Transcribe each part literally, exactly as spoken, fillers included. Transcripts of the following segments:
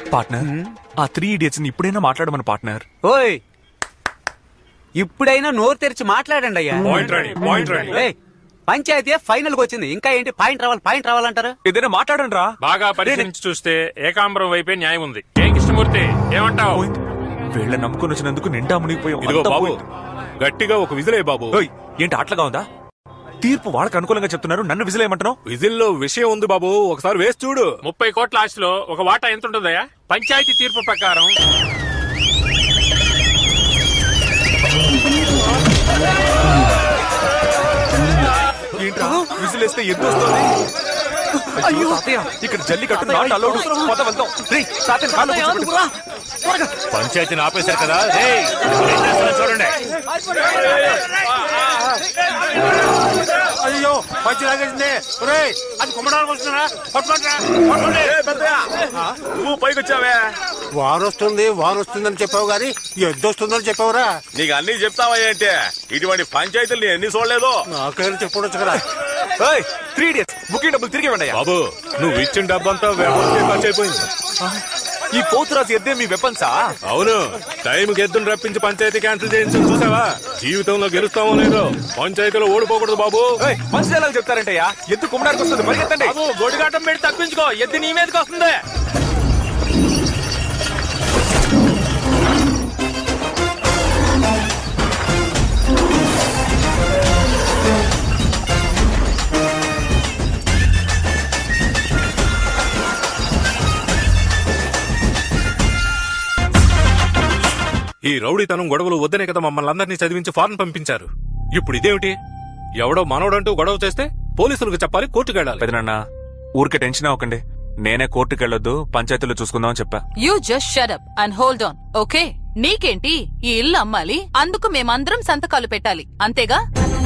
Partner ఆ three idiots ని ఇప్పుడైనా మాట్లాడమని పార్ట్నర్. ఓయ్ ఇప్పుడైనా నోరు తెరిచి మాట్లాడండి అయ్యా. ఏయ్, పంచాయతీ ఫైనల్ కి వచ్చింది, ఇంకా ఏంటి పాయింట్ రావాలి పాయింట్ రావాలంటారు? ఏదైనా మాట్లాడండి రా. బాగా పరిశీలించి చూస్తే ఏకాంబరం వైపే న్యాయం ఉంది. ఏం కృష్ణమూర్తి ఏమంటావు? వీళ్ళ నమ్ముకుని వచ్చినందుకు నిండా మునిగిపోయాం. ఇదిగో అంతా బాబు, పోయింది. గట్టిగా ఒక విజిలే బాబు. ఓయ్, ఏంటి అట్లగా ఉందా? తీర్పు వాళ్ళకి అనుకూలంగా చెప్తున్నారు, నన్ను విజిలేయమంటున్నావు? విజిల్లో విషయం ఉంది బాబు, ఒకసారి వేసి చూడు. ముప్పై కోట్ల ఆస్తిలో ఒక వాటా ఎంత ఉంటుందయ్యా? పంచాయతీ తీర్పు ప్రకారం ఏంట్రా విజిలేస్తే ఎంత వస్తుంది? అయ్యో తాతయ్య, ఇక్కడ జల్లి కట్టు నాట్ అలౌడ్. పద వెళ్దాం. రేయ్, తాతయ్య కాళ్ళు కూర్చోబెట్టు. పంచాయతీని ఆపేశారు కదా, రేయ్, ఏం చేస్తున్నారో చూడండి. అయ్యో పంచి లాగేసింది. అది కుమ్మడానికి వస్తున్నారా? నువ్వు పైకి వచ్చావే. వారు వస్తుంది వారు వస్తుందని చెప్పావు గాని ఎద్దు వస్తుందని చెప్పావురా. నీకు అన్ని చెప్తావా ఏంటి? ఇటువంటి పంచాయతీలు ఎన్ని చూడలేదు. నాకైనా చెప్పవచ్చు కదా. త్రీ ఇడియట్స్ బుకింగ్ డబ్బులు తిరిగి ఇవ్వండి. బాబు, నువ్వు ఇచ్చిన డబ్బంతా వ్యవస్థ ఖర్చు అయిపోయింది. ఈ పోతురాజు ఎద్దే మీ వెపన్సా? అవును, టైం గెద్దును రప్పించి పంచాయతీ క్యాన్సిల్ చేయించి చూసావా? జీవితంలో గెలుస్తామో లేదో, పంచాయతీలో ఓడిపోకూడదు బాబు. మంచి ఎలా చెప్తారంటయ్యా? ఎద్దు కుమ్మడానికి వస్తుంది, పరిగెత్తండి. గొడిగాటం పెట్టి తప్పించుకో, ఎద్దు నీ మీదకి వస్తుంది. ఈ రౌడీతనం గొడవలు వద్దనే కదా మమ్మల్ని అందరినీ చదివించి ఫారెన్ పంపించారు. ఇప్పుడు ఇదేమిటి? ఎవడో మనోడంటూ గొడవ చేస్తే పోలీసులకు చెప్పాలి, కోర్టుకు వెళ్ళాలి. పెదనాన్న, ఊరికే టెన్షన్ అవ్వకండి. నేనే కోర్టుకు వెళ్ళొద్దు, పంచాయతీలో చూసుకుందామని చెప్పా. You just shut up and hold on, okay? నీకేంటి, ఈ ఇల్లు అమ్మాలి, అందుకు మేమందరం సంతకాలు పెట్టాలి, అంతేగా?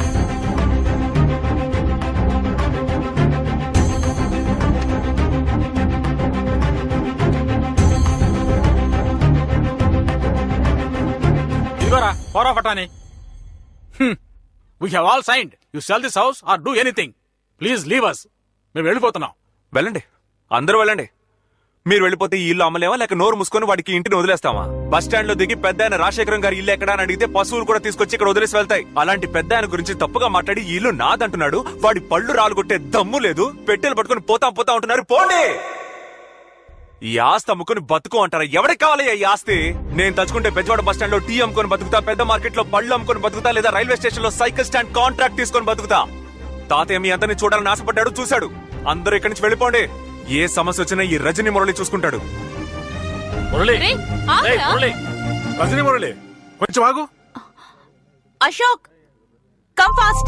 Power of attorney. Hmm. We have all signed. You sell this house or do anything. Please leave us. మేము వెళ్ళిపోతున్నాం. వెళ్ళండి, అందరూ వెళ్ళండి. మీరు వెళ్ళిపోతే ఈ ఇల్లు అమ్మలేమా, లేక నోరు మూసుకొని వాడికి ఇంటిని వదిలేస్తామా? బస్ స్టాండ్ లో దిగి పెద్ద ఆయన రాజశేఖరం గారి ఇల్లు ఎక్కడా అని అడిగితే పశువులు కూడా తీసుకొచ్చి ఇక్కడ వదిలేసి వెళ్తాయి. అలాంటి పెద్ద ఆయన గురించి తప్పుగా మాట్లాడి ఈ ఇల్లు నాదంటున్నాడు. వాడి పళ్ళు రాలుగొట్టే దమ్ము లేదు. పెట్టెలు పట్టుకుని పోతా పోతా ఉంటున్నారు. పోండి. ఈ ఆస్తి అమ్ముకుని బతుకు అంటారా? ఎవరికి కావాలి ఈ ఆస్తి? నేను తలుచుకుంటే బెజవాడ బస్ స్టాండ్ లో టీ అమ్ముకొని బతుకుతా, పెద్ద మార్కెట్ లో పళ్ళు అమ్ముకొని బతుకుతా, లేదా రైల్వే స్టేషన్ లో సైకిల్ స్టాండ్ కాంట్రాక్ట్ తీసుకొని బతుకుతా. తాతయ్య మీ అందరినీ చూడాలని ఆశపడ్డాడు, చూశాడు. అందరూ ఇక్కడి నుంచి వెళ్ళిపోండి. ఏ సమస్య వచ్చినా ఈ రజనీ మురళి చూసుకుంటాడు. మురళి, రేయ్, ఏయ్, ఆగురా. మురళి, రజనీ మురళి, కొంచెం ఆగు. Ashok, come fast.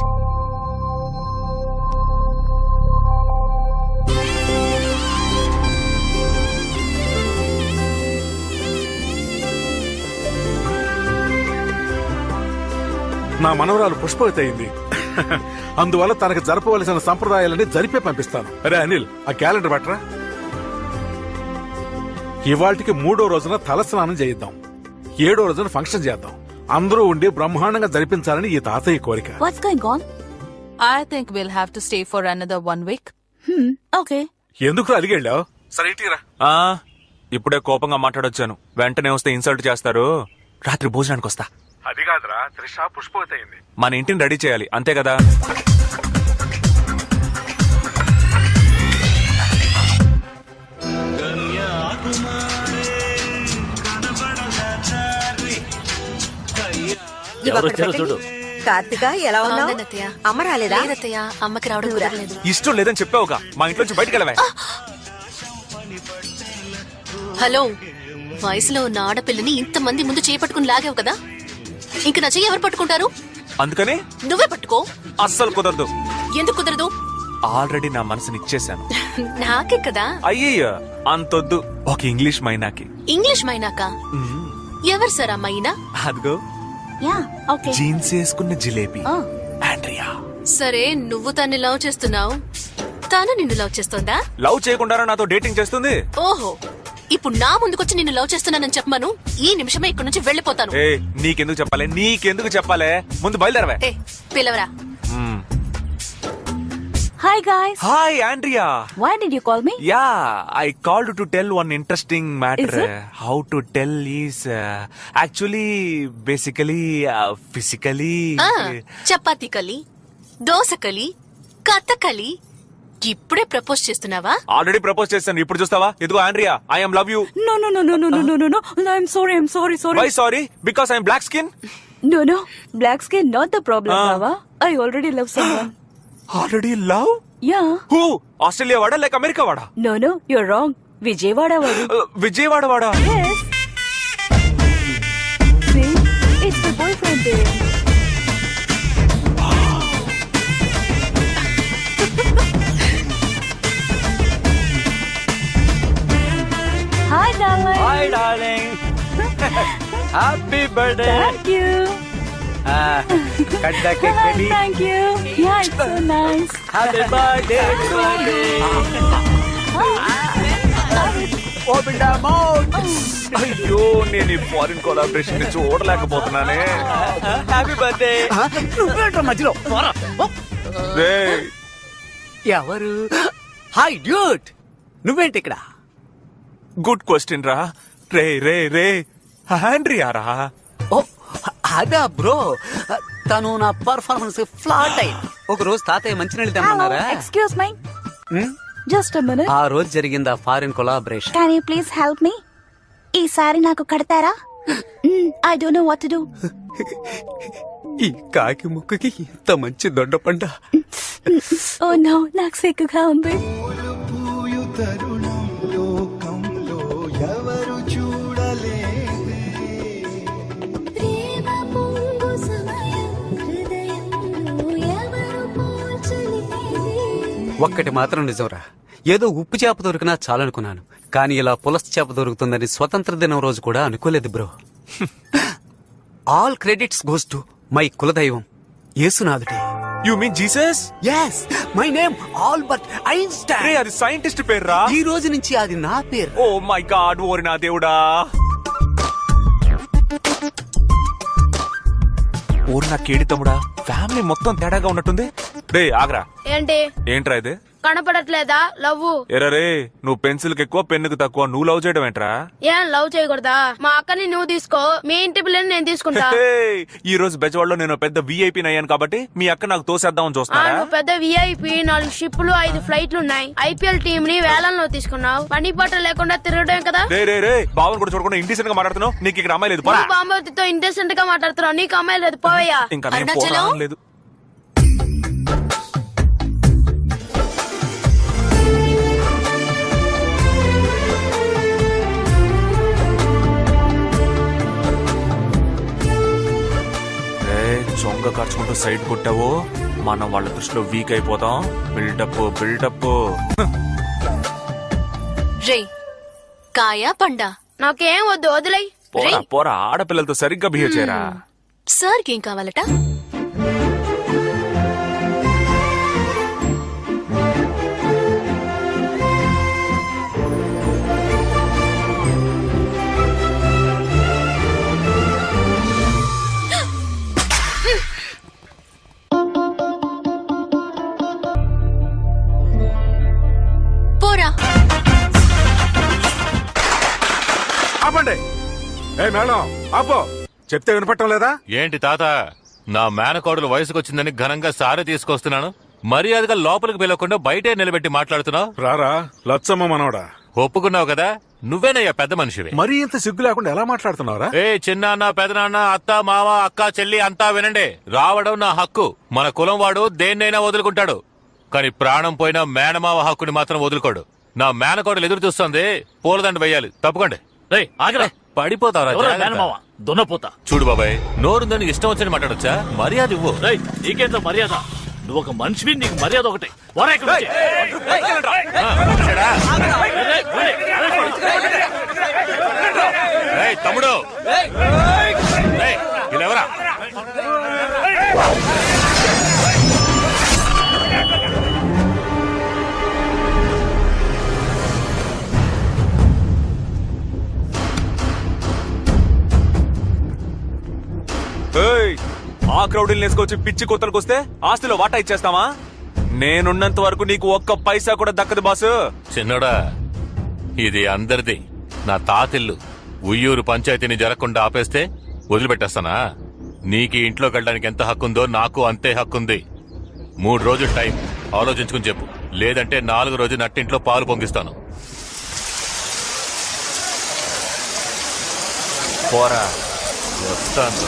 నా మనవరాలు పుష్పవతి అయింది. అందువల్ల తనకు జరపవలసిన సంప్రదాయాలని జరిపే పంపిస్తాను. అరే అనిల్, ఆ క్యాలెండర్ పట్టరా. ఇవాళకి మూడో రోజున తలస్నానం చేయిద్దాం, ఏడో రోజున ఫంక్షన్ చేద్దాం. అందరూ ఉండి బ్రహ్మాండంగా జరిపించాలని ఈ తాతయ్య కోరిక. What's going on? I think we'll have to stay for another one week. Hmm, okay. ఎందుకు అలిగెళ్ళావు? సరే ఇటీరా. ఆ ఇప్పుడే కోపంగా మాట్లాడొచ్చాను. వెంటనే వస్తే ఇన్సల్ట్ చేస్తారు. రాత్రి భోజనానికి వస్తా. అది కాదురా, త్రిష పుష్పవతి అయింది. మన ఇంటిని రెడీ చేయాలి, అంతే కదా? చూడు. కార్తిక ఎలా ఉన్నావు? అమ్మ రాలేదా? అమ్మకి రావడం కుదరలేదు. ఇష్టం లేదని చెప్పావుగా, మా ఇంట్లోంచి బయటకు వెళ్ళవే. హలో, వయసులో ఉన్న ఆడపిల్లని ఇంతమంది ముందు చేపట్టుకుని లాగావు కదా, ఇంక నా చెయ్యి ఎవరు పట్టుకుంటారు? అందుకని నువ్వే పట్టుకో. అస్సలు కుదరదు. ఎందుకు కుదరదు? ఆల్రెడీ నా మనసుని ఇచ్చేశాను. నాకే కదా. అయ్యయ్యో, అంతొద్దు. ఒక ఇంగ్లీష్ మైనాకి. ఇంగ్లీష్ మైనాక? ఎవరు సార్ ఆ మైనా? అదిగో యా, ఓకే. జీన్స్ వేసుకున్న జిలేబీ, ఆండ్రియా. సరే, నువ్వు తన్ని లవ్ చేస్తున్నావు, తాను నిన్ను లవ్ చేస్తోందా? లవ్ చేయకుండా నాతో డేటింగ్ చేస్తుంది. ఓహో, ఇప్పుడు నా ముందుకొచ్చి నిన్ను లవ్ చేస్తున్నానని చెప్పమను, ఈ నిమిషమే ఇక్కడ నుంచి వెళ్ళిపోతాను. ఏ నీకెందుకు చెప్పాలి, నీకెందుకు చెప్పాలి? ముందు బయలుదేరవే. ఏ పిలవరా. Hi guys. Hi Andrea. Why did you call me? Yeah I called to tell one interesting matter. Is it? How to tell is actually basically physically ah, chapati కలి దోశ కలి కథకలి ఇప్పుడే ప్రపోజ్ చేస్తున్నావా? ఆల్రెడీ ప్రపోజ్ చేశాను, ఇప్పుడు చూస్తావా? ఇదిగో Andrea, I am love you. No, no, no, no, no, no, no, no, no. No, I'm sorry, I'm sorry, sorry. Why sorry? Because I'm black skin. No, no. Black skin not the problem, Ah. Baba. I already love someone. Already love? Yeah. Who? Australia వాడా లేక America వాడా? No, no, you're wrong. Vijayawada wadu. Uh, Vijayawada వాడా? Yes. See, it's my boyfriend there. Hi, darling. Hi darling happy birthday Thank you. Cut the cake baby Thank you. Yeah, it's so nice. Happy birthday open the mouth అయ్యో, నేను ఈ foreign collaboration ని చూడలేకపోతున్నానే. Happy birthday నువ్వేంట్రా మధ్యలో పోరా. ఓ. రేయ్, ఎవరు hi duet నువ్వేంటి ఇక్కడ? గుడ్ క్వశ్చన్ రా. రే రే రే ఆండ్రియా రా. ఓ అదా బ్రో, తను నా పర్ఫార్మెన్స్ ఫ్లాట్ అయింది. ఒక రోజు తాతయ్య మంచినీళ్ళు Hello. తెమ్మన్నారా? Excuse me. Just a minute. ఆ రోజు జరిగింది ఆ foreign collaboration. Can you please help me? ఈసారి నాకు కడతారా? I don't know what to do. ఈ కాకి ముక్కుకి ఇంత మంచి దొండపండ. Oh no, నాకు సిగ్గుగా ఉంది. ఒక్కటి మాత్రం నిజంరా, ఏదో ఉప్పు చేప దొరికినా చాలనుకున్నాను, కానీ ఇలా పులస చేప దొరుకుతుందని స్వతంత్ర దినం రోజు కూడా అనుకోలేదు bro. All credits goes to my కులదైవం యేసునాథుడే. You mean Jesus? Yes, my name Albert రే, ఐన్స్టైన్. అది సైంటిస్ట్ పేరు రా. ఈ రోజు నుంచి అది నా పేరు. ఓ మై గాడ్, ఓరి నా దేవుడా. ఓరి నా కేడి తమ్ముడా, ఫ్యామిలీ మొత్తం తేడాగా ఉన్నట్టుంది. రే ఆగ్రా. ఏంటి ఏంట్రా ఇది? కనపడట్లేదా లవ్? ఎరా రే, నువ్వు పెన్సిల్ కి ఎక్కువ పెన్నుకు తక్కువ, నువ్వు లవ్ చేయడం ఏంట్రా? ఏం లవ్ చేయకూడదా? మా అక్కని నువ్వు తీసుకో, మీ ఇంటి పిల్లని నేను తీసుకుంటా. హే, ఈ రోజు బెజవాడలో నేను పెద్ద విఐపీ అయ్యాను కాబట్టి మీ అక్క నాకు తోసేద్దామని ఆ, చూస్తున్నారా? నువ్వు పెద్ద విఐపి, నాలుగు షిప్పులు, ఐదు ఫ్లైట్లు ఉన్నాయి. ఐపీఎల్ టీం ని వేలంలో తీసుకున్నావు. పని పాట లేకుండా తిరగడం కదా. రే రే రే, బావన్ కూడా చూడకుండా ఇండిసెంట్ గా మాట్లాడుతున్నావు. నీకు ఇక్కడ అమ్మాయి లేదు. పోరా. నువ్వు బాంబవతితో ఇంటెసెంట్ గా మాట్లాడుతున్నావు, నీకు అమ్మాయి లేదు, పోవయ్యా. ఇంకా నేను అరుణాచలం? పోరా లేదు. చొంగ ఖర్చుకుంటూ సైడ్ కొట్టావో మనం వాళ్ళ దృష్టిలో వీక్ అయిపోతాం. Buildup buildup. రే కాయా పండా? నాకేం వద్దు, వదిలేయ్. పోరా పోరా, ఆడపిల్లలతో సరిగ్గా బిహేవ్ చేయరా. సార్కి ఏం కావాలట? పోరా. ఆపండి. ఏ మేడం ఆపో, చెప్తే వినపట్టం లేదా? ఏంటి తాత, నా మేనకోడలు వయసుకొచ్చిందని ఘనంగా సారే తీసుకొస్తున్నాను, మర్యాదగా లోపలికి పిలవకుండా బయటే నిలబెట్టి మాట్లాడుతున్నావు. రారా లచ్చమ్మ మనవడా, ఒప్పుకున్నావు కదా, నువ్వేనయ్యా పెద్ద మనిషివి. మరీ ఇంత సిగ్గు లేకుండా ఎలా మాట్లాడుతున్నావురా? ఏ చిన్నాన్న పెదనాన్న అత్త మామ అక్క చెల్లి అంతా వినండి. రావడం నా హక్కు. మన కులం వాడు దేన్నైనా వదులుకుంటాడు, కానీ ప్రాణం పోయిన మేనమావ హక్కుని మాత్రం వదులుకోడు. నా మేనకోడలు ఎదురు చూస్తుంది, పూలదండ వేయాలి. తప్పుకోండి. పడిపోతావరా? దున్నపోతా. చూడు బాబాయ్, నోరుందని ఇష్టం వచ్చని మాట్లాడొచ్చా? మర్యాద ఇవ్వు. నీకేంత మర్యాద? నువ్వు ఒక మనిషివి, నీకు మర్యాద ఒకటే. పోరా ఇక్కడి నుంచి. ఏయ్, తమ్ముడు ఏయ్, వీళ్ళెవరా? ఏయ్, ఆ క్రౌడ్ వేసుకొచ్చి పిచ్చి కొత్తలకు వస్తే ఆస్తిలో వాటా ఇచ్చేస్తావా? నేనున్నంత వరకు నీకు ఒక్క పైసా కూడా దక్కదు బాసు. చిన్నోడా, ఇది అందరిది. నా తాతిల్లు. ఉయ్యూరు పంచాయతీని జరగకుండా ఆపేస్తే వదిలిపెట్టేస్తానా? నీకు ఈ ఇంట్లోకి వెళ్ళడానికి ఎంత హక్కుందో నాకు అంతే హక్కుంది. మూడు రోజులు టైం ఆలోచించుకుని చెప్పు, లేదంటే నాలుగు రోజు నట్టింట్లో పాలు పొంగిస్తాను. పోరా. వస్తాను.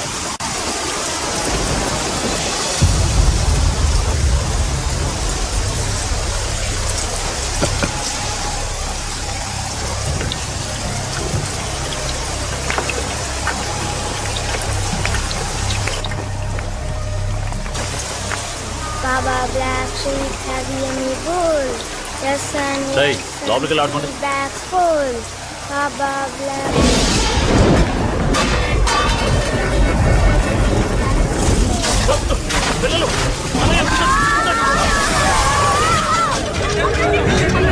Baba Black Sheep, have you any wool? The sun Hey, లోపలికి వెళ్ళి ఆడుకోండి. bags full. Baba Black. పిల్లలు